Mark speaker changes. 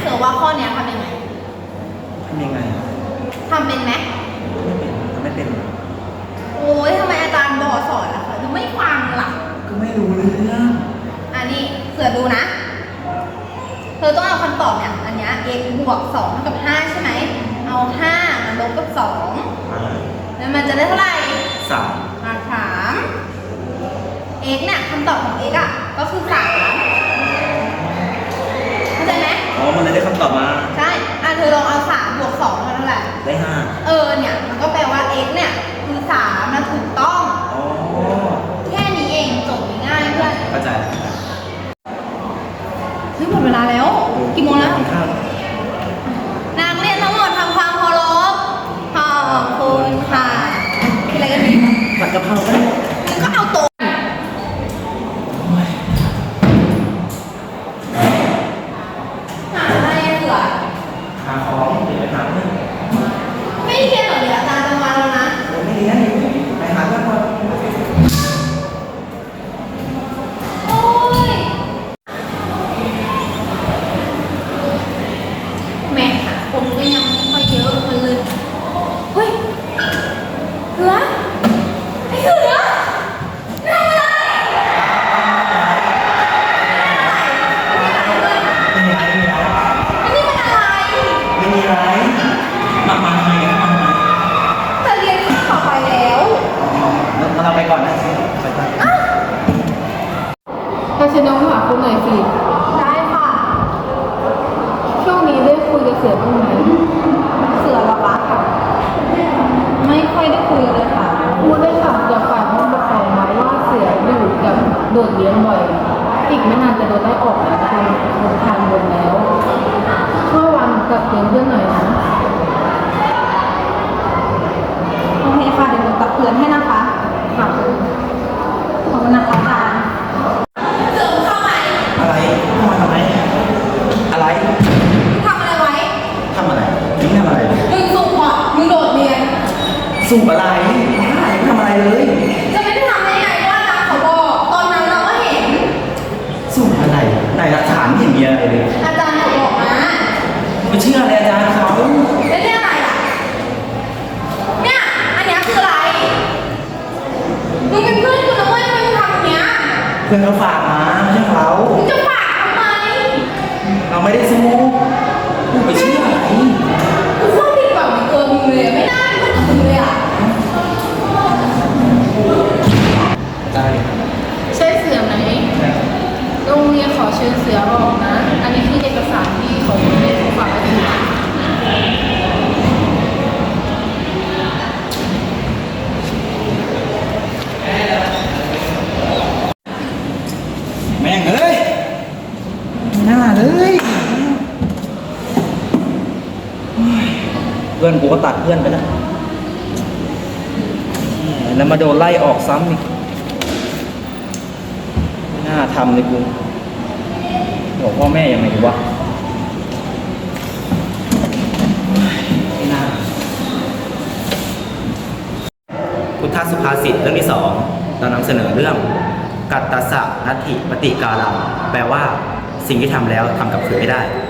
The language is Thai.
Speaker 1: สือว่าข้อนี้ทำยังไง
Speaker 2: ทำยังไง
Speaker 1: ทำเป็นไหม
Speaker 2: ไม่เป็น
Speaker 1: โอ้ยทำไมอาจารย์บอกสอนล่ะคะถึงไม่ฟังล่ะ
Speaker 2: ก็ไม่รู้เรื่อง
Speaker 1: อันนี้เสือดูนะเธอต้องเอาคำตอบเนี่ยอันนี้ x บวก2เท่ากับ5ใช่ไหมเอา5มาลบกับ2แล้วมันจะได้เท่าไหร่
Speaker 2: 3
Speaker 1: x เนี่ยคำตอบของ x อ่ะก็คือ3เข้าใจไหม
Speaker 2: มันเลยได้คำตอบมา
Speaker 1: ใช่เธอลองเอา3บวก2เท่าไหร่
Speaker 2: ได้5
Speaker 1: เนี่ยมันก็แปลว่า x เนี่ยคือ3นะถูกต้องแค่นี้เองจบง่ายเพื่อน
Speaker 2: เข้าใจ
Speaker 1: เฮ้ยหมดเวลาแล้วกี่โมงแล้วนักเรียนทั้งหมดทำความเคารพขอบคุณค่ะกินอะไรกันดี
Speaker 2: ผัดกะเพราได้
Speaker 1: แล้วก็เอาโต๊ะหาอะไรเสือ
Speaker 2: หาของเดี๋ยวไปหาเพื่อน
Speaker 1: ไม่เรียนหรอเดี๋ยวอาจารย์จะมาแล้วนะ
Speaker 2: ไม่เรียนไปหาเพื่อนก่อน
Speaker 1: โอ้ยแม่ค่ะผมก็ยังไม่ค่อยเยอะเลยเฮ้ยเสือไอ้เสือทำอะไร
Speaker 2: ไม่มีอะไรมาทำไมกันมาทำไม
Speaker 1: จะเรียนข้อต่อไปแล้ว
Speaker 2: เราไปก่อนนะไปก่อน
Speaker 3: ถ้าฉันน้องหาคุณหน่อยสิ
Speaker 1: ได้ค่ะ
Speaker 3: ช่วงนี้ได้คุยกับเสือบ้างไหม
Speaker 1: เสือละวะค่ะไม่ค่อยได้คุยเลยค่ะ
Speaker 3: พูดได้ค่ะอย่าฝากห้องปกครองไว้ว่าเสืออยู่กับโดดเรียนบ่อยอีกไม่นานจะโดนไล่ออกแล้วคุณทานบนแล้วช่วยวันกับเพื่อนหน่อยนะ
Speaker 1: โอเคค่ะเดี๋ยวหนูตักเตือนให้นะคะ
Speaker 3: ค่ะ
Speaker 1: ขอบคุณนะคะอาจารย์เสือเข้าไหม
Speaker 2: อะไรเข้ามาทำไมอะไร
Speaker 1: ทำอะไรไว้
Speaker 2: ทำอะไรมึงทำอะไร
Speaker 1: มึงสูบอ่ะมึงโดดเรียน
Speaker 2: สูบอะไรไม่ทำอะไรเลย
Speaker 1: จะไม่ได้ทำได้ไงว่าอาจารย์เขาบอกตอนนั้นเราก็เห็น
Speaker 2: สูบอะไรไหนหลักฐานไม่เห็นมีอะไรเลย
Speaker 1: อาจารย์เขาบอกมา
Speaker 2: ไม่เชื่ออะไรอาจารย์เขา
Speaker 1: แล้วเนี่ยอะไรอ่ะเนี่ยอันเนี้ยคืออะไรมึงเป็นเพื่อนกูนะเว้ยทำไมมึงทำอย่างเนี้ย
Speaker 2: เพื่อนเขาฝากมาไม่ใช่เขา
Speaker 1: มึงจะฝากทำไม
Speaker 2: เราไม่ได้สู้กูไปเชื่ออะไร
Speaker 1: กูโคตรผิดหวังในตัวมึงเลยไม่น่าเป็นเพื่อนกับมึงเลยอ่ะ
Speaker 2: ได้
Speaker 3: ใช่เสือไหมโรงเรียนขอเชิญเสือออกนะอันนี้คือเอกสารที่เขาได้ฝากไว้ถึง
Speaker 2: แม่งเอ้ยหน้าเลยเพื่อนกูก็ตัดเพื่อนไปแล้วแล้วมาโดนไล่ออกซ้ำอีกน่าทำเลยกูบอกพ่อแม่ยังไงดีวะไม่น่าพุทธสุภาษิตเรื่องที่ 2เรานำเสนอเรื่องกัตตสะนัตถิปฏิกาลังแปลว่าสิ่งที่ทำแล้วทำกลับคืนไม่ได้